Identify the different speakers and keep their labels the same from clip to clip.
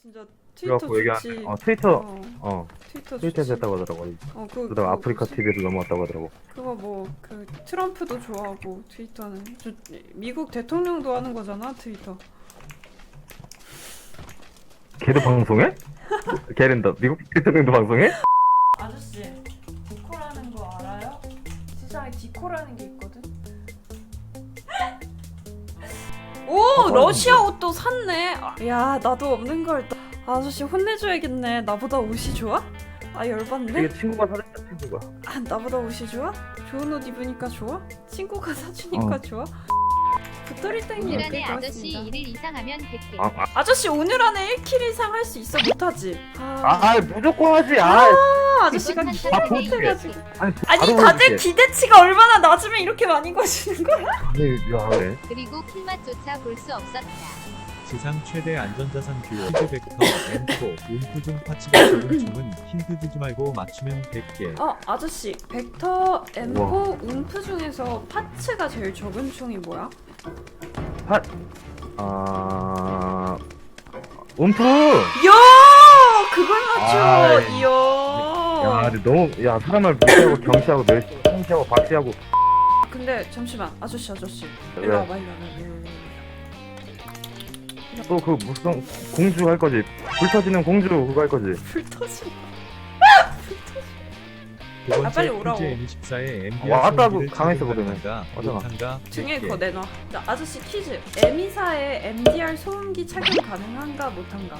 Speaker 1: 진짜 트위터
Speaker 2: 그래갖고 얘기하는데
Speaker 1: 좋지.
Speaker 2: 트위터에서
Speaker 1: 좋지.
Speaker 2: 했다고 하더라고.
Speaker 1: 그거
Speaker 2: 아프리카 TV에도 넘어왔다고 하더라고.
Speaker 1: 그거 뭐 그 트럼프도 좋아하고 트위터는 미국 대통령도 하는 거잖아 트위터.
Speaker 2: 걔도 방송해? 걔는 미국 대통령도 방송해?
Speaker 1: 아저씨 디코라는 거 알아요? 세상에 디코라는 게 있거든. 오 러시아 옷도 샀네. 야 나도 없는 걸. 아저씨 혼내줘야겠네. 나보다 옷이 좋아? 아 열받네.
Speaker 2: 되게 친구가 사줬다 친구가.
Speaker 1: 아 나보다 옷이 좋아? 좋은 옷 입으니까 좋아? 친구가 사주니까 좋아? 부터리땡이
Speaker 3: 오늘
Speaker 1: 예쁠
Speaker 3: 안에
Speaker 1: 것
Speaker 3: 아저씨
Speaker 1: 같습니다.
Speaker 3: 1일 이상하면 100개.
Speaker 1: 아저씨 오늘 안에 1킬 이상 할 수 있어? 못하지?
Speaker 2: 무조건 하지.
Speaker 1: 아저씨가
Speaker 3: 한
Speaker 1: 기가
Speaker 3: 사람에
Speaker 1: 못해가지고.
Speaker 3: 10개.
Speaker 1: 아니 다들 기대치가 얼마나 낮으면 이렇게 많이 거시는 거야?
Speaker 2: 야 그래.
Speaker 3: 그리고 킬맛조차 볼 수 없었다.
Speaker 4: 지상 최대 안전자산 듀오 힌드벡터 M4 움프중 파츠가 적은 총은 힌트 주지 말고 맞추면 100개.
Speaker 1: 아저씨 벡터 M4 움프 중에서 파츠가 제일 적은 총이 뭐야?
Speaker 2: 움프.
Speaker 1: 이야 그걸 맞춰.
Speaker 2: 아이.
Speaker 1: 이야.
Speaker 2: 근데 너무 사람을 무시하고 경시하고 멸시하고 박시하고.
Speaker 1: 근데 잠시만 아저씨
Speaker 2: 왜?
Speaker 1: 일로 와봐 일로 와봐.
Speaker 2: 또 그 무슨 공주 할 거지? 불터지는 공주 그거 할 거지?
Speaker 1: 불 터지.
Speaker 4: 두 번째
Speaker 1: 빨리 오라고.
Speaker 4: M14의 MBR
Speaker 2: 왔다고
Speaker 4: 소음기를
Speaker 2: 강했어,
Speaker 4: 착용한
Speaker 2: 그러면.
Speaker 4: 한가,
Speaker 2: 맞아.
Speaker 4: 못한가,
Speaker 1: 등에
Speaker 4: 100개.
Speaker 1: 그거 내놔. 자, 아저씨 퀴즈. M24에 MDR 소음기 착용 가능한가 못한가?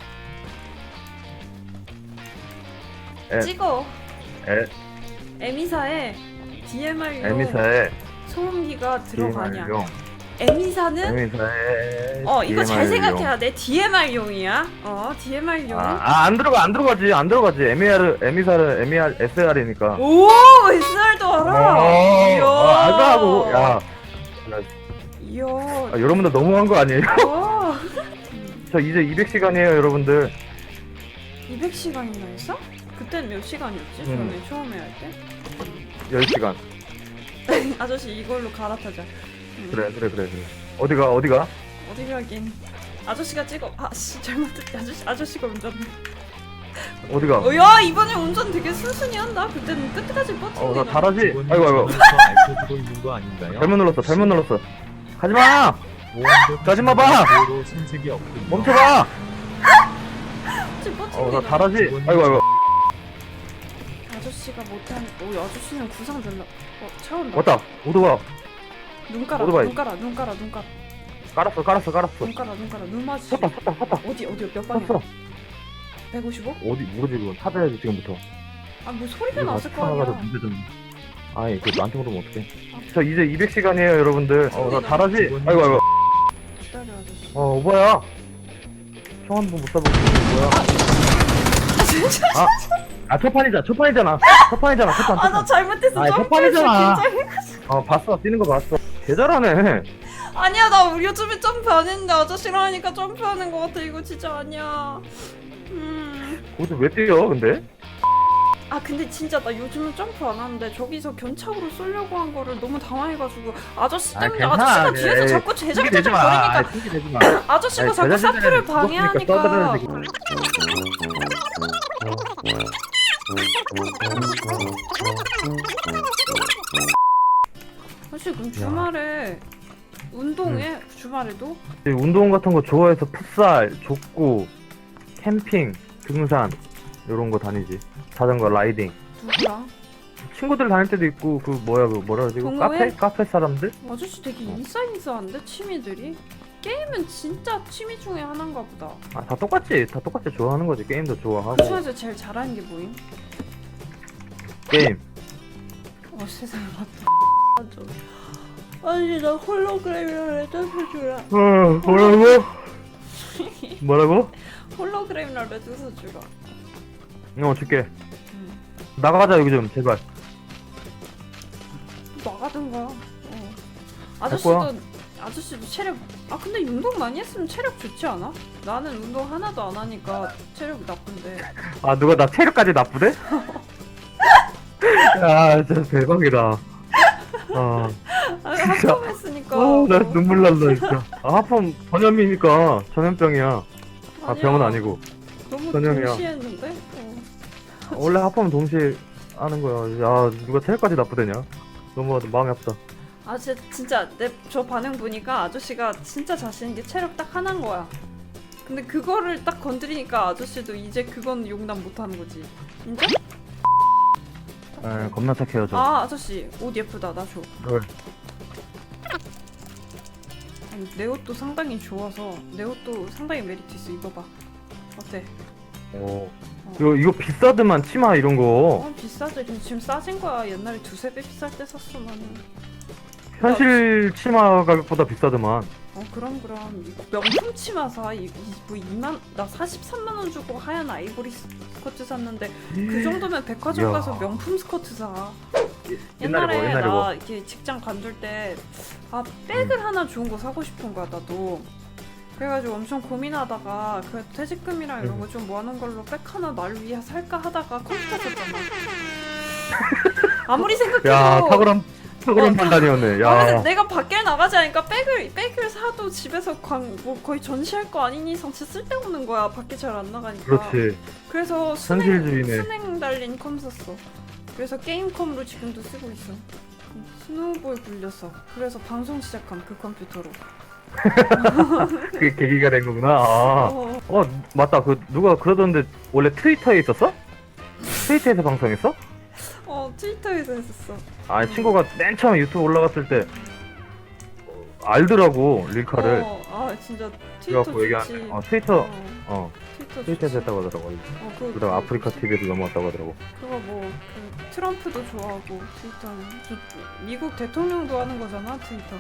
Speaker 2: 에.
Speaker 1: 찍어.
Speaker 2: 에.
Speaker 1: M24에 DMR용
Speaker 2: 에미사의
Speaker 1: 소음기가 들어가냐?
Speaker 2: DMR용.
Speaker 1: M24는
Speaker 2: 에미사의
Speaker 1: 이거 잘
Speaker 2: DMR 용.
Speaker 1: 생각해야 돼. DMR용이야. DMR용.
Speaker 2: 안 들어가지. 에미사를 MER, SR이니까.
Speaker 1: 오, SR도 알아.
Speaker 2: 알다고.
Speaker 1: 이야.
Speaker 2: 여러분들 너무한 거 아니에요?
Speaker 1: 와.
Speaker 2: 저 이제 200시간이에요, 여러분들.
Speaker 1: 200시간이나 했어? 그땐 몇 시간이었지? 처음에 할 때?
Speaker 2: 10시간.
Speaker 1: 아저씨 이걸로 갈아타자.
Speaker 2: 그래. 어디가?
Speaker 1: 어디 가긴. 아저씨가 찍어. 아씨 잘못했다. 아저씨가 운전해.
Speaker 2: 어디가?
Speaker 1: 야 이번에 운전 되게 순순히 한다. 그때는 끝까지 뻗치는
Speaker 2: 나 잘하지?
Speaker 4: 직원이
Speaker 2: 아이고.
Speaker 4: 전화해서 알려주고 있는 거 아닌가요?
Speaker 2: 잘못 눌렀어. 가지마! 가지마 봐!
Speaker 4: 도로 손색이 없군요.
Speaker 2: 멈춰봐!
Speaker 1: 뻗치는
Speaker 2: 나 잘하지? 아이고.
Speaker 1: 아저씨가 못한. 오 아저씨는 구상 별로. 차 온다.
Speaker 2: 왔다. 오토가.
Speaker 1: 눈 깔아.
Speaker 2: 오토바이.
Speaker 1: 눈 깔아.
Speaker 2: 깔았어.
Speaker 1: 눈 맞지.
Speaker 2: 섰다.
Speaker 1: 어디 몇 방이야?
Speaker 2: 섰어.
Speaker 1: 155?
Speaker 2: 어디, 모르지, 그건. 찾아야지, 지금부터.
Speaker 1: 뭐 소리가 났을 거 아니야.
Speaker 2: 문제 좀. 아니, 그 나한테 물으면 어떡해. 저 이제 200시간이에요, 여러분들. 나 잘하지? 아이고.
Speaker 1: 기다려 아저씨.
Speaker 2: 오바야. 총 한 번 못 쏴보고, 뭐야.
Speaker 1: 진짜.
Speaker 2: 첫 판이잖아.
Speaker 1: 나 잘못했어.
Speaker 2: 아니,
Speaker 1: 점프했어.
Speaker 2: 첫판이잖아.
Speaker 1: 긴장해.
Speaker 2: 봤어. 뛰는 거 봤어. 개 잘하네.
Speaker 1: 아니야 나 요즘에 점프 안 했는데 아저씨랑 하니까 점프하는 거 같아. 이거 진짜 아니야.
Speaker 2: 거기서 왜 뛰어, 근데?
Speaker 1: 근데 진짜 나 요즘은 점프 안 하는데 저기서 견착으로 쏘려고 한 거를 너무 당황해가지고 아저씨 때문에 아저씨가 뒤에서 자꾸 제작자작 거리니까
Speaker 2: 핑계 대지 마.
Speaker 1: 아저씨가 자꾸 사프를 방해하니까. 사실 그럼 주말에 운동해? 주말에도?
Speaker 2: 운동 같은 거 좋아해서 풋살, 족구, 캠핑, 등산 이런 거 다니지. 자전거 라이딩.
Speaker 1: 누구랑?
Speaker 2: 친구들 다닐 때도 있고 뭐라 그러지?
Speaker 1: 동호회?
Speaker 2: 카페 사람들?
Speaker 1: 아저씨 되게 인싸인싸한데 취미들이? 게임은 진짜 취미 중에 하나인가 보다.
Speaker 2: 다 똑같지 좋아하는 거지. 게임도 좋아하고.
Speaker 1: 그 중에서 제일 잘하는 게 뭐임?
Speaker 2: 게임.
Speaker 1: 세상에 맞다. 아니 나 홀로그램이랑 레드 주라.
Speaker 2: 뭐라고?
Speaker 1: 홀로그램이랑 레드 주라.
Speaker 2: 줄게. 나가자 여기 좀 제발.
Speaker 1: 나가든가.
Speaker 2: 갈 거야?
Speaker 1: 아저씨도 체력. 근데 운동 많이 했으면 체력 좋지 않아? 나는 운동 하나도 안 하니까 체력이 나쁜데.
Speaker 2: 누가 나 체력까지 나쁘대? 야 진짜 대박이다. 진짜.
Speaker 1: 하품 했으니까.
Speaker 2: 나 눈물 난다 진짜. 하품 전염이니까 전염병이야. 아 병은 아니고
Speaker 1: 너무
Speaker 2: 선영이야.
Speaker 1: 동시에 했는데?
Speaker 2: 원래 합하면 동시에 하는 거야. 야 누가 체력까지 나쁘대냐? 너무 마음이 아프다.
Speaker 1: 아 진짜 저 반응 보니까 아저씨가 진짜 자신 있게 체력 딱 하나인 거야. 근데 그거를 딱 건드리니까 아저씨도 이제 그건 용납 못하는 거지. 인정?
Speaker 2: 에 겁나 착해요 저.
Speaker 1: 아 아저씨 옷 예쁘다 나 줘.
Speaker 2: 왜?
Speaker 1: 아니, 내 옷도 상당히 좋아서 내 옷도 상당히 메리트 있어. 입어봐. 어때?
Speaker 2: 오. 이거 비싸더만 치마 이런 거.
Speaker 1: 비싸지. 지금 싸진 거야. 옛날에 두세 배 비쌀 때 샀어 나는.
Speaker 2: 현실 치마 가격보다 비싸더만.
Speaker 1: 그럼 명품 치마 사. 뭐 2만 나 43만 원 주고 하얀 아이보리 스커트 샀는데 그 정도면 백화점
Speaker 2: 이야.
Speaker 1: 가서 명품 스커트 사.
Speaker 2: 옛날에
Speaker 1: 옛날에
Speaker 2: 뭐, 옛날에
Speaker 1: 나
Speaker 2: 뭐.
Speaker 1: 이렇게 직장 관둘 때 백을 하나 좋은 거 사고 싶은 거야 나도. 그래가지고 엄청 고민하다가 그 퇴직금이랑 이런 거 좀 모아놓은 걸로 백 하나 날 위해 살까 하다가 컴퓨터 샀잖아. 아무리 생각해도
Speaker 2: 야 탁월한 판단이었네.
Speaker 1: 아, 근데
Speaker 2: 야.
Speaker 1: 내가 밖에 나가지 않으니까 백을 사도 집에서 뭐 거의 전시할 거 아닌 이상 진짜 쓸데없는 거야. 밖에 잘 안 나가니까.
Speaker 2: 그렇지.
Speaker 1: 그래서
Speaker 2: 현실주의네.
Speaker 1: 순행 달린 컴 샀어. 그래서 게임컴으로 지금도 쓰고 있어. 스노우볼 굴렸어. 그래서 방송 시작함 그 컴퓨터로.
Speaker 2: 그게 계기가 된 거구나. 아.
Speaker 1: 어,
Speaker 2: 맞다. 그 누가 그러던데 원래 트위터에 있었어? 트위터에서 방송했어?
Speaker 1: 트위터에서 했었어.
Speaker 2: 아 친구가 맨 처음 유튜브 올라갔을 때 알더라고 릴카를.
Speaker 1: 진짜 트위터
Speaker 2: 그래갖고 얘기한.
Speaker 1: 좋지.
Speaker 2: 트위터에서
Speaker 1: 트위터
Speaker 2: 했다고 하더라고.
Speaker 1: 그
Speaker 2: 그다음 아프리카 TV에도 넘어왔다고 하더라고.
Speaker 1: 그거 그 트럼프도 좋아하고 트위터는 미국 대통령도 하는 거잖아 트위터.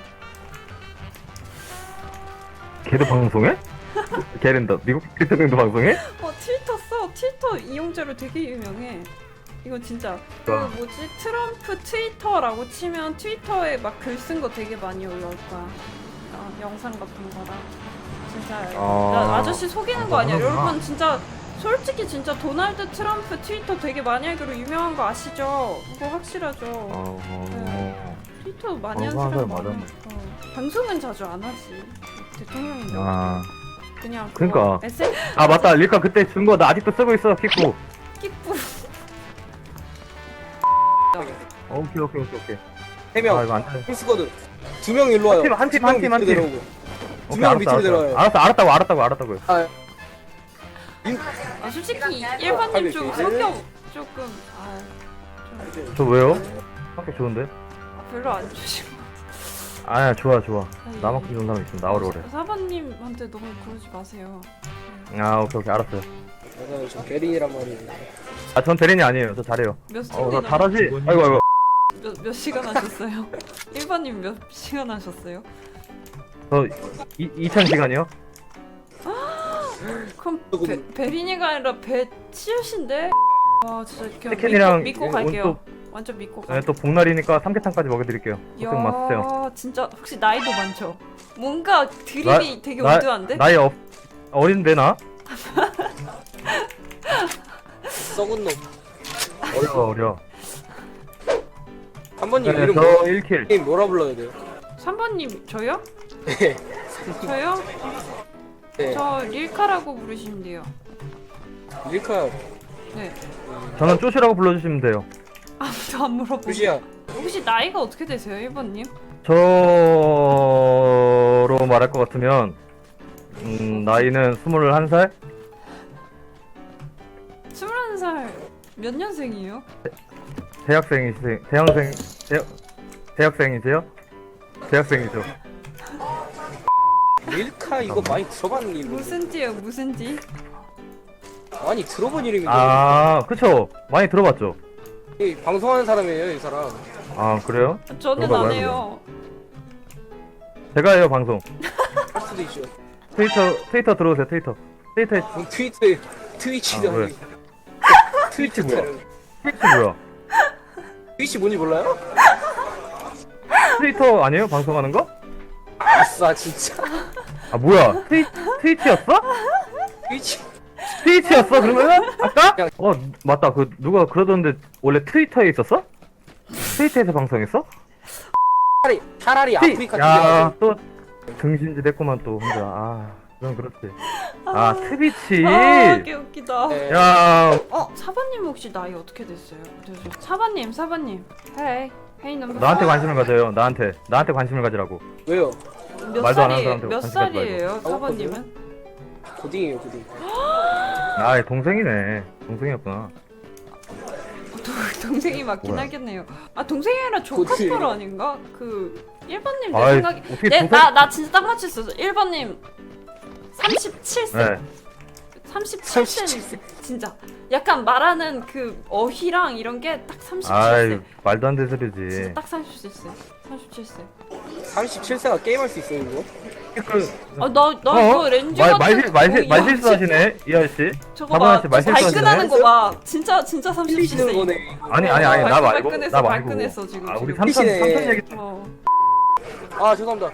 Speaker 1: 걔도
Speaker 2: 방송해? 걔는 미국 대통령도 방송해?
Speaker 1: 트위터 써. 트위터 이용자로 되게 유명해. 이거 진짜 그 뭐지 트럼프 트위터라고 치면 트위터에 막 글 쓴 거 되게 많이 올라올 거야. 영상 같은 거랑 진짜 나 아저씨 속이는 거 아니야.
Speaker 2: 하는구나.
Speaker 1: 여러분 진짜 솔직히 진짜 도널드 트럼프 트위터 되게 많이 하기로 유명한 거 아시죠? 그거 확실하죠. 트위터 많이 하는 사람 많아. 방송은 자주 안 하지. 대통령인데 그냥
Speaker 2: 그러니까.
Speaker 1: SNS
Speaker 2: 아 맞다 릴카 그때 준 거 나 아직도 쓰고 있어 킥구.
Speaker 1: 끼뿌.
Speaker 2: 오케이.
Speaker 5: 3명
Speaker 2: 아 이거 안 돼.
Speaker 5: 풀스쿼드 2명 일로 와요.
Speaker 2: 한 팀.
Speaker 5: 밑으로 내려오고. 두 명 밑으로 내려와요.
Speaker 2: 알았다고요.
Speaker 1: 솔직히 일반님 좀 성격 조금
Speaker 2: 저 왜요? 학교 좋은데?
Speaker 1: 별로 안 좋으신 것
Speaker 2: 아야 좋아.
Speaker 1: 같아요.
Speaker 2: 나만큼 좋은 사람 있으면 나오라 그래.
Speaker 1: 사반님한테 너무 그러지 마세요.
Speaker 2: 아 오케이 알았어요.
Speaker 5: 맞아요. 저 베린이란 말이에요.
Speaker 2: 아 전 대리인이 아니에요. 저 잘해요.
Speaker 1: 몇
Speaker 2: 나
Speaker 1: 시간
Speaker 2: 잘하지? 아이고.
Speaker 1: 몇 시간 하셨어요? 일반님 몇 시간 하셨어요?
Speaker 2: 저 2000시간이요?
Speaker 1: 그럼 베린이가 아니라 배치우신데? 와 진짜 그냥
Speaker 2: 치킨이랑
Speaker 1: 믿고 갈게요.
Speaker 2: 또,
Speaker 1: 완전 믿고
Speaker 2: 네,
Speaker 1: 갈게요.
Speaker 2: 또 복날이니까 삼계탕까지 먹여드릴게요. 걱정 마세요.
Speaker 1: 야 진짜 혹시 나이도 많죠? 뭔가 드립이 되게 올드한데?
Speaker 2: 나이 어린데 나?
Speaker 5: 썩은 놈.
Speaker 2: 어려.
Speaker 5: 한 번님
Speaker 2: 네,
Speaker 5: 이름
Speaker 2: 저 1킬.
Speaker 5: 게임 뭐라 불러야 돼요?
Speaker 1: 3번님 저요?
Speaker 5: 네.
Speaker 1: 저요?
Speaker 5: 네.
Speaker 1: 저 릴카라고 부르시면 돼요.
Speaker 5: 릴카
Speaker 1: 네.
Speaker 2: 저는 쪼시라고 불러주시면 돼요.
Speaker 1: 아무도 안 물어보고.
Speaker 5: 루시야.
Speaker 1: 혹시 나이가 어떻게 되세요, 1번님?
Speaker 2: 저로 말할 것 같으면 나이는 21살?
Speaker 1: 21살 몇 년생이에요?
Speaker 2: 대학생이세요? 대학생이죠.
Speaker 5: 릴카 이거 많이 들어본 이름.
Speaker 1: 무슨 띠예요, 무슨 띠?
Speaker 5: 많이 들어본 이름인데.
Speaker 2: 아 그쵸. 많이 들어봤죠.
Speaker 5: 이 방송하는 사람이에요, 이 사람.
Speaker 2: 아 그래요?
Speaker 1: 저는
Speaker 2: 그거
Speaker 1: 안
Speaker 2: 뭐야,
Speaker 1: 해요.
Speaker 2: 제가 해요 방송.
Speaker 5: 할 수도 있죠.
Speaker 2: 트위터 들어오세요. 트위터에
Speaker 5: 트위치도
Speaker 2: 아, 왜?
Speaker 5: 아니고.
Speaker 2: 트위치 뭐야?
Speaker 5: 트위터.
Speaker 2: 트위치 뭐야?
Speaker 5: 트위치 뭔지 몰라요?
Speaker 2: 트위터 아니에요? 방송하는 거?
Speaker 5: 아싸 진짜.
Speaker 2: 아 뭐야? 트위치였어? 트위치였어 그러면은? 아까? 맞다. 그 누가 그러던데 원래 트위터에 있었어? 트위터에서 방송했어?
Speaker 5: 차라리 아프리카
Speaker 2: 야
Speaker 5: TV가
Speaker 2: 또 등신짓 했구만 또 혼자. 그럼 그렇지. 아 트비치.
Speaker 1: 아, 개 웃기다.
Speaker 5: 네.
Speaker 2: 야
Speaker 1: 사바님 혹시 나이 어떻게 됐어요? 사바님. 헤이 넘버.
Speaker 2: 나한테 관심을 가져요. 나한테 관심을 가지라고.
Speaker 5: 왜요?
Speaker 1: 몇
Speaker 2: 말도 안 하는
Speaker 1: 살이에요?
Speaker 2: 사람한테
Speaker 1: 몇
Speaker 2: 관심 가지
Speaker 1: 살이에요, 사바님은?
Speaker 5: 고딩이에요, 고딩.
Speaker 2: 아 동생이네. 동생이었구나.
Speaker 1: 동생이 맞긴
Speaker 2: 뭐야?
Speaker 1: 하겠네요. 아 동생이 아니라 조카뻘
Speaker 5: 고딩.
Speaker 1: 아닌가? 그 1번님 내
Speaker 2: 아이,
Speaker 1: 생각에
Speaker 2: 어떻게
Speaker 1: 네,
Speaker 2: 동생-
Speaker 1: 나 진짜 딱 맞췄어. 1번님 37세.
Speaker 2: 네.
Speaker 1: 37세 진짜 약간 말하는 그 어휘랑 이런 게 딱 37세.
Speaker 2: 아이 말도 안 되는
Speaker 1: 진짜
Speaker 2: 소리지.
Speaker 1: 딱 37세. 37세.
Speaker 5: 37세가 게임할 수 있어요, 이거?
Speaker 1: 나 이거 렌즈 같은
Speaker 2: 말실수 하시네 이 아저씨.
Speaker 1: 저거
Speaker 2: 사바나
Speaker 1: 봐.
Speaker 2: 씨 말실수
Speaker 1: 발끈하는
Speaker 2: 하시네.
Speaker 1: 거 봐. 진짜
Speaker 5: 틀리시는
Speaker 1: 37세.
Speaker 5: 거네.
Speaker 2: 아니 나 말고
Speaker 1: 발끈했어,
Speaker 2: 나 말고.
Speaker 1: 발끈했어, 지금.
Speaker 2: 아 우리
Speaker 1: 지금.
Speaker 2: 삼촌
Speaker 5: 미치네.
Speaker 2: 얘기
Speaker 5: 아, 죄송합니다.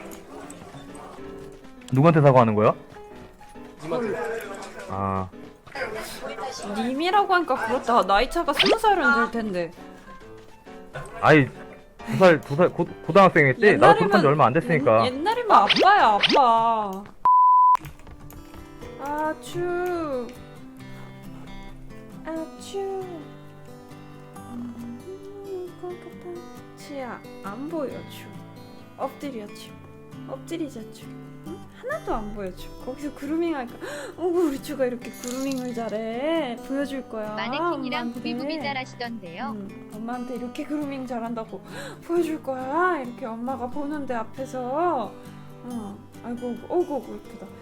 Speaker 2: 누구한테 사과하는 거야?
Speaker 5: 님한테.
Speaker 2: 아
Speaker 1: 님이라고 하니까 그렇다. 나이 차가 20살은 될 텐데.
Speaker 2: 아이 2살 고등학생이었지? 나도 졸업한 지 얼마 안 됐으니까.
Speaker 1: 옛날이면 아빠야, 아빠. 아추. 꼴깍다. 치아 안 보여 추. 엎드려 추. 엎드리자 추. 응? 하나도 안 보여 추. 거기서 그루밍 할까? 우리 추가 이렇게 그루밍을 잘해. 보여줄 거야.
Speaker 3: 마네킹이랑
Speaker 1: 엄마한테.
Speaker 3: 부비부비 잘하시던데요.
Speaker 1: 엄마한테 이렇게 그루밍 잘한다고 보여줄 거야. 이렇게 엄마가 보는데 앞에서. 아이고, 어이구, 예쁘다.